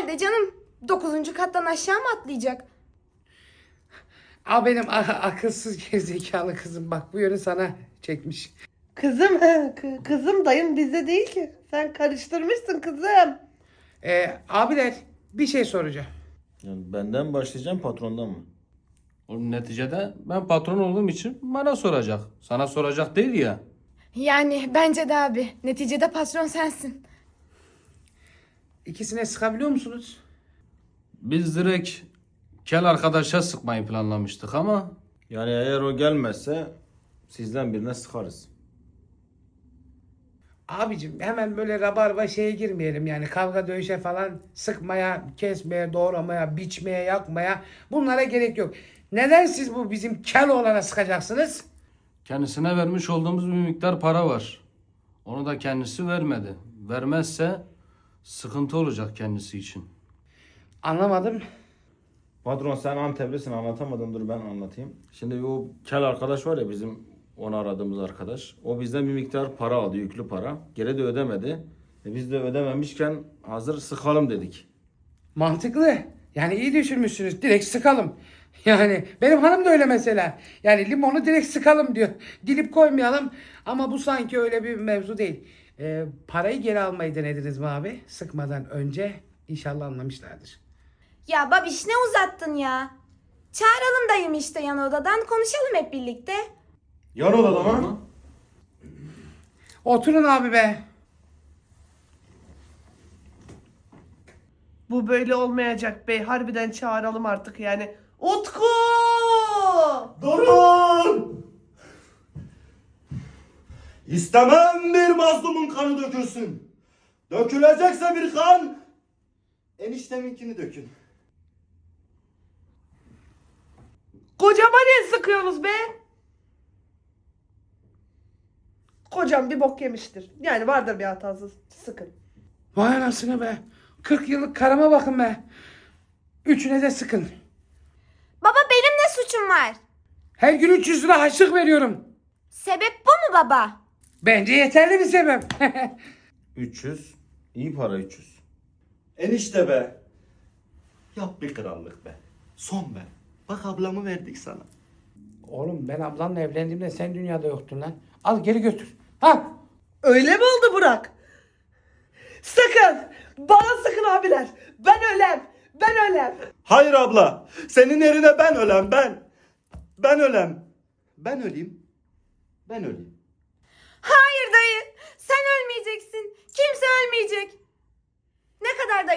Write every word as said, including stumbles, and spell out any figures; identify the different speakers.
Speaker 1: nerede canım? Dokuzuncu kattan aşağı mı atlayacak?
Speaker 2: Al benim a- akılsız gerizekalı kızım, bak bu yönü sana çekmiş.
Speaker 3: Kızım, kı- kızım dayım bizde değil ki. Sen karıştırmışsın kızım.
Speaker 2: Ee, abiler bir şey soracağım.
Speaker 4: Yani benden başlayacağım, patrondan mı?
Speaker 5: Oğlum neticede ben patron olduğum için bana soracak. Sana soracak değil ya.
Speaker 1: Yani bence de abi. Neticede patron sensin.
Speaker 2: İkisine sıkabiliyor musunuz?
Speaker 5: Biz direkt kel arkadaşa sıkmayı planlamıştık ama
Speaker 4: Yani eğer o gelmezse sizden birine sıkarız.
Speaker 2: Abicim hemen böyle rabarba şeye girmeyelim, yani kavga dövüşe falan, sıkmaya, kesmeye, doğramaya, biçmeye, yakmaya, bunlara gerek yok. Neden siz bu bizim kel oğlana sıkacaksınız?
Speaker 5: kendisine vermiş olduğumuz bir miktar para var. Onu da kendisi vermedi. Vermezse sıkıntı olacak kendisi için.
Speaker 2: Anlamadım.
Speaker 4: Patron sen Anteplisin, anlatamadın, dur ben anlatayım. Şimdi o kel arkadaş var ya, bizim onu aradığımız arkadaş. O bizden bir miktar para aldı, yüklü para. Geri de ödemedi. E biz de ödememişken hazır sıkalım dedik.
Speaker 2: Mantıklı. Yani iyi düşünmüşsünüz. Direkt sıkalım. Yani benim hanım da öyle mesela. Yani limonu direkt sıkalım diyor. Dilip koymayalım. Ama bu sanki öyle bir mevzu değil. Ee, parayı geri almayı denediniz mi abi? Sıkmadan önce. İnşallah anlamışlardır.
Speaker 1: Ya babiş ne uzattın ya? Çağıralım dayım işte yan odadan konuşalım hep birlikte.
Speaker 4: Yan odada mı?
Speaker 2: Oturun abi be.
Speaker 3: Bu böyle olmayacak bey. Harbiden çağıralım artık yani. Utku!
Speaker 6: Durun! İstemem bir mazlumun kanı dökülsün. Dökülecekse bir kan, enişteminkini dökün.
Speaker 3: Kocama niye sıkıyorsunuz be? Kocam bir bok yemiştir. Yani vardır bir hatası. Sıkın.
Speaker 2: Vay anasını be. kırk yıllık karıma bakın be. Üçüne de sıkın.
Speaker 1: Baba benim ne suçum var?
Speaker 2: Her gün üç yüz lira harçlık veriyorum.
Speaker 1: Sebep bu mu baba?
Speaker 2: Bence yeterli bir sebep.
Speaker 4: üç yüz. İyi para üç yüz.
Speaker 6: Enişte be. Yap bir krallık be. Son be. Bak ablamı verdik sana.
Speaker 2: Oğlum ben ablanla evlendiğimde sen dünyada yoktun lan. Al geri götür. Ha?
Speaker 3: Öyle mi oldu Burak? Sakın! Bana sıkın abiler. Ben ölem. Ben ölem.
Speaker 6: Hayır abla. Senin yerine ben ölem ben. Ben ölem. Ben öleyim. Ben öleyim.
Speaker 1: Hayır dayı. Sen ölmeyeceksin. Kimse ölmeyecek. Ne kadar da